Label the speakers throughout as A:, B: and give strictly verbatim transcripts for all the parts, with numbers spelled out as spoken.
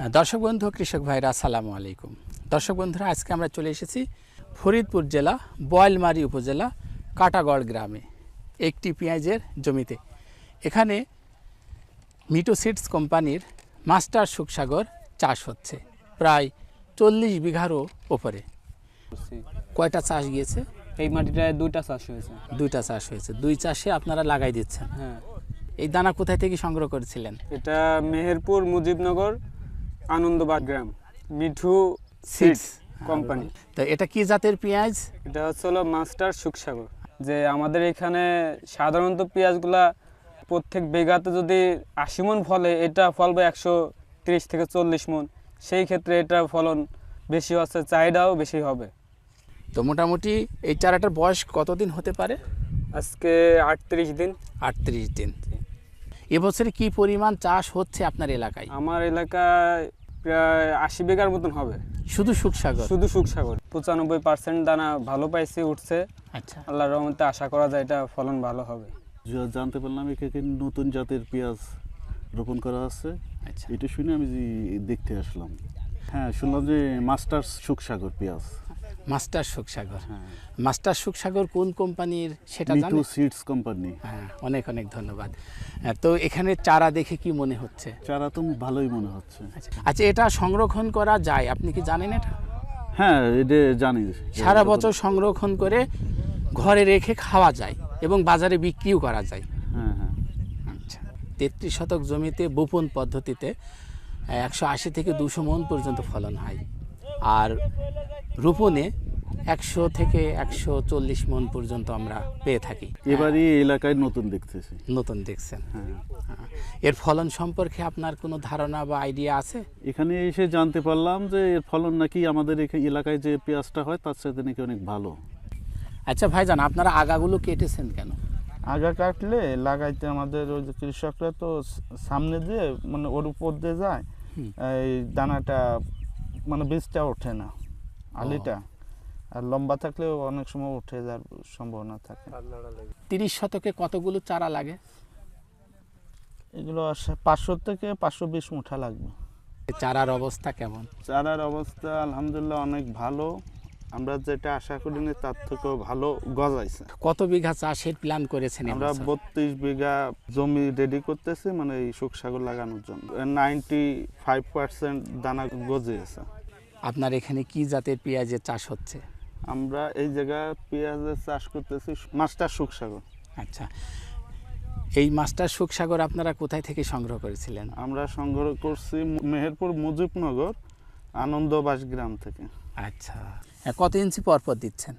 A: দর্শক বন্ধু কৃষক ভাইরা আসসালামু আলাইকুম। দর্শক বন্ধুরা, আজকে আমরা চলে এসেছি ফরিদপুর জেলা বোয়ালমারী উপজেলা কাটাগড় গ্রামে একটি পেঁয়াজের জমিতে। এখানে মিটু সিডস কোম্পানির মাস্টার সুখসাগর চাষ হচ্ছে প্রায় চল্লিশ বিঘারও ওপরে। কয়টা চাষ গিয়েছে?
B: এই মাটিটায় দুইটা চাষ হয়েছে।
A: দুইটা চাষ হয়েছে, দুই চাষে আপনারা লাগাই দিচ্ছেন।
B: হ্যাঁ।
A: এই দানা কোথায় থেকে সংগ্রহ করেছিলেন?
B: এটা মেহেরপুর মুজিবনগর আনন্দবাগ গ্রাম মিঠু সিডস কোম্পানি।
A: তো এটা কি জাতের পেঁয়াজ?
B: এটা হচ্ছে হলো মাস্টার সুখসাগর। যে আমাদের এখানে সাধারণত পেঁয়াজগুলা প্রত্যেক বিঘাতে যদি আশি মন ফলে, এটা ফলবে একশো তিরিশ থেকে চল্লিশ মন। সেই ক্ষেত্রে এটা ফলন বেশি হচ্ছে, চাহিদাও বেশি হবে।
A: তো মোটামুটি এই চারাটার বয়স কতদিন হতে পারে?
B: আজকে আটত্রিশ দিন।
A: আটত্রিশ দিন। এবছরে কি পরিমাণ চাষ হচ্ছে আপনার এলাকায়?
B: আমার এলাকায় প্রায় আশি বিঘার মতন হবে।
A: শুধু সুখসাগর?
B: শুধু সুখসাগর। পঁচানব্বই পার্সেন্ট দানা ভালো পাইছে, উঠছে।
A: আচ্ছা,
B: আল্লাহর রহমতে আশা করা যায় এটা ফলন ভালো হবে।
C: জানতে পারলাম এখানে নতুন জাতের পেঁয়াজ রোপণ করা আছে।
A: আচ্ছা,
C: এটা শুনে আমি দেখতে আসলাম। হ্যাঁ, শুনলাম যে মাস্টার সুখসাগর পেঁয়াজ।
A: মাস্টার সুখসাগর।
C: হ্যাঁ।
A: মাস্টার সুখসাগর কোন কোম্পানির সেটা
C: মিটু
A: জানেন?
C: Seeds company.
A: হ্যাঁ, অনেক অনেক ধন্যবাদ। তো এখানে চারা দেখে কি মনে হচ্ছে?
C: চারা তো ভালোই মনে হচ্ছে।
A: আচ্ছা, এটা সংরক্ষণ করা যায়, আপনি কি জানেন এটা?
C: হ্যাঁ, এটা জানি।
A: সারা বছর সংরক্ষণ করে ঘরে রেখে খাওয়া যায় এবং বাজারে বিক্রিও করা যায়।
C: হ্যাঁ হ্যাঁ।
A: আচ্ছা, তেত্রিশ শতক জমিতে বপন পদ্ধতিতে একশো আশি থেকে দুশো মন পর্যন্ত ফলন হয়, আর রোপণে একশো থেকে একশো চল্লিশ মন পর্যন্ত আমরা পেয়ে থাকি।
C: এবারই এলাকায় নতুন দেখতেছি।
A: নতুন দেখছেন?
C: হ্যাঁ।
A: এর ফলন সম্পর্কে আপনার কোনো ধারণা বা আইডিয়া আছে?
C: এখানে এসে জানতে পারলাম যে এর ফলন নাকি আমাদের এলাকায় যে পেঁয়াজটা হয় তার সাথে নাকি অনেক ভালো।
A: আচ্ছা ভাইজান, আপনারা আগাগুলো কেটেছেন কেন?
D: আগা কাটলে লাগাইতে আমাদের ওই যে কৃষকরা তো সামনে দিয়ে মানে ওর উপর দিয়ে যায়, এই দানাটা মানে বীজটা ওঠে না, আলিটা। আর লম্বা থাকলেও অনেক সময় উঠে যাওয়ার সম্ভাবনা থাকে।
A: তিরিশ শতকে কতগুলো চারা লাগে?
D: এগুলো পাঁচশো থেকে পাঁচশো বিশ মুঠা লাগবে।
A: চারার অবস্থা কেমন?
D: চারার অবস্থা আলহামদুলিল্লাহ অনেক ভালো। আমরা যেটা আশা করিনি তার থেকেও ভালো গজাইছে।
A: কত বিঘা চাষের প্ল্যান করেছেন?
D: আমরা বত্রিশ বিঘা জমি রেডি করতেছি মানে এই সুখসাগর লাগানোর জন্য। নাইনটি ফাইভ পার্সেন্ট দানা গজিয়েছে।
A: আপনার এখানে কি জাতের পেঁয়াজের চাষ হচ্ছে?
D: আমরা এই জায়গায় পেঁয়াজের চাষ করতেছি মাস্টার সুখসাগর।
A: আচ্ছা, এই মাস্টার সুখসাগর আপনারা কোথায় থেকে সংগ্রহ করেছিলেন?
D: আমরা সংগ্রহ করছি মেহেরপুর মুজিবনগর আনন্দবাস গ্রাম থেকে।
A: আচ্ছা, কত ইঞ্চি পর পর দিচ্ছেন?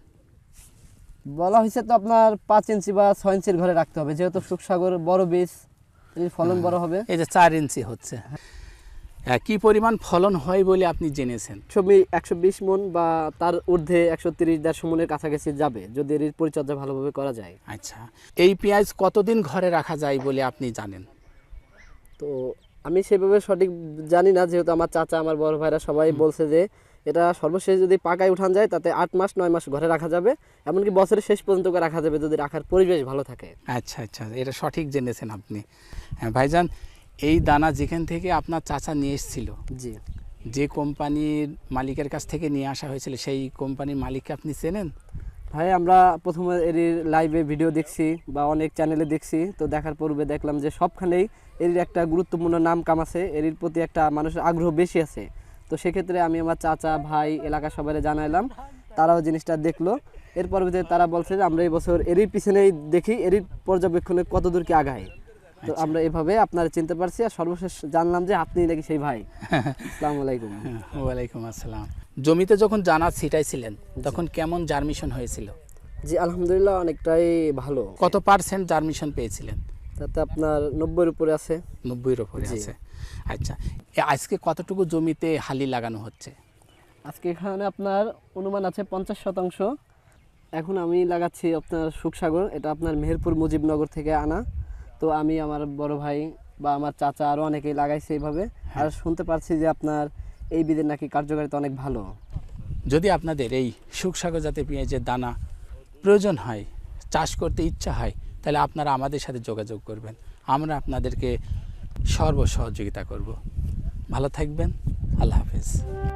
E: বলা হয়েছে তো আপনার পাঁচ ইঞ্চি বা ছয় ইঞ্চির ঘরে রাখতে হবে, যেহেতু সুখসাগর বড় বীজ, এর ফলন বড় হবে।
A: এই যে চার ইঞ্চি হচ্ছে, কি পরিমাণ ফলন হয় বলে আপনি জেনেছেন?
E: ছবি একশো বিশ মন বা তার ঊর্ধ্বে একশো তিরিশ দেড়শো মনের কাছাকাছি যাবে যদি এর পরিচর্যা ভালোভাবে করা যায়।
A: আচ্ছা, এই পেঁয়াজ কতদিন ঘরে রাখা যায় বলে আপনি জানেন?
E: তো আমি সেভাবে সঠিক জানি না, যেহেতু আমার চাচা আমার বড় ভাইরা সবাই বলছে যে এটা সর্বশেষ যদি পাকায় উঠান যায় তাতে আট মাস নয় মাস ঘরে রাখা যাবে, এমনকি বছরের শেষ পর্যন্ত রাখা যাবে যদি রাখার পরিবেশ ভালো থাকে।
A: আচ্ছা আচ্ছা, এটা সঠিক জেনেছেন আপনি। হ্যাঁ ভাইজান, এই দানা যেখান থেকে আপনার চাচা নিয়ে এসেছিল,
E: জি,
A: যে কোম্পানির মালিকের কাছ থেকে নিয়ে আসা হয়েছিল, সেই কোম্পানির মালিককে আপনি চেনেন?
E: ভাই আমরা প্রথমে এর লাইভে ভিডিও দেখছি বা অনেক চ্যানেলে দেখছি, তো দেখার পূর্বে দেখলাম যে সবখানেই এর একটা গুরুত্বপূর্ণ নাম কাম আছে, এর প্রতি একটা মানুষের আগ্রহ বেশি আছে। তো সেক্ষেত্রে আমি আমার চাচা ভাই এলাকার সবাই জানাইলাম, তারাও জিনিসটা দেখলো। এর পরবর্তীতে তারা বলছে যে আমরা এই বছর এরই পিছনেই দেখি এরই পর্যবেক্ষণে কত দূর কি আগায়। তো আমরা এভাবে আপনারা চিনতে পারছি, আর সর্বশেষ জানলাম যে আপনি নাকি সেই ভাই। আসসালামু আলাইকুম।
A: ওয়ালাইকুম আসসালাম। জমিতে যখন দানা ছিটাইছিলেন তখন কেমন জার্মিশন হয়েছিল?
E: জি আলহামদুলিল্লাহ অনেকটাই ভালো।
A: কত পার্সেন্ট জার্মিশন পেয়েছিলেন?
E: তাতে আপনার নব্বইয়ের উপরে আছে।
A: নব্বইয়ের উপরে আছে। আচ্ছা, আজকে কতটুকু জমিতে হালি লাগানো হচ্ছে?
E: আজকে এখানে আপনার অনুমান আছে পঞ্চাশ শতাংশ। এখন আমি লাগাচ্ছি আপনার সুখসাগর, এটা আপনার মেহেরপুর মুজিবনগর থেকে আনা। তো আমি আমার বড় ভাই বা আমার চাচা আরও অনেকেই লাগাইছে এইভাবে। আর শুনতে পারছি যে আপনার এই বীজের নাকি কার্যকারিতা অনেক ভালো।
A: যদি আপনাদের এই সুখসাগর জাতের পেঁয়াজের দানা প্রয়োজন হয়, চাষ করতে ইচ্ছা হয়, তাহলে আপনারা আমাদের সাথে যোগাযোগ করবেন, আমরা আপনাদেরকে সর্ব সহযোগিতা করব। ভালো থাকবেন। আল্লাহ হাফেজ।